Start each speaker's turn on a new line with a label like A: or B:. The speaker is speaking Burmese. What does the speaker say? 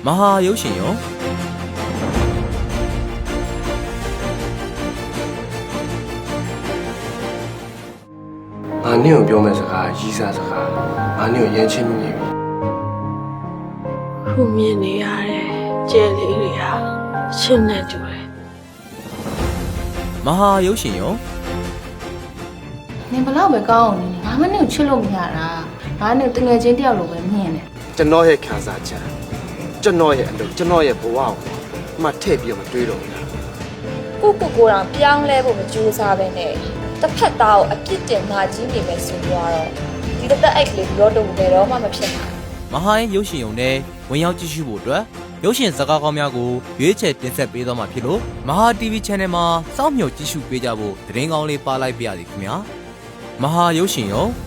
A: မဟာရုပ်ရှင်ရော
B: ငါနင့်ကိုပြောမယ့်စကားရီးစားစကားငါနင့်ကိုရမ်းချင်းမိနေပြီ
C: ခုမြင်နေရတဲ့ကျဲလေးတွေဟာရှင်းနေတူတယ်
A: မဟာရုပ်ရှင်ရော
D: နင်ဘလောက်ပဲကောင်းအောင်နေငါမနဲ့ကိုချစ်လို့မရတာငါနဲ့တငယ်ချင်းတယောက်လိုပဲမြင်တယ်
B: ကျွန်တော်ရဲ့ခံစားချက်ကျွန်တော်ရဲ့အလုပ်ကျွန်တော်ရဲ့ဘဝကိုမှထည့်ပြီးတော့မတွေးတော့ဘူး
E: ကိုတောင်ပြောင်းလဲဖို့မကြိုးစားပဲနဲ့တစ်ဖက်သားကိုအပြစ်တင်မှကြီးနေမယ်ဆိုတော့ဒီတစ်သက်အိတ်ကလေးရောတော့ဘယ်တော့မှမဖြစ်နိုင်
A: မဟာရဲ့ရုပ်ရှင်ရုံနဲ့ဝင်ရောက်ကြည့်ရှုဖို့အတွက်ရုပ်ရှင်ဇာတ်ကားကောင်းများကိုရွေးချယ်တင်ဆက်ပေးသွားမှာဖြစ်လို့မဟာ TV Channel မှာစောင့်မျှော်ကြည့်ရှုပေးကြဖို့သတင်းကောင်းလေးပါလိုက်ပါရစေခင်ဗျာမဟာရုပ်ရှင်ရော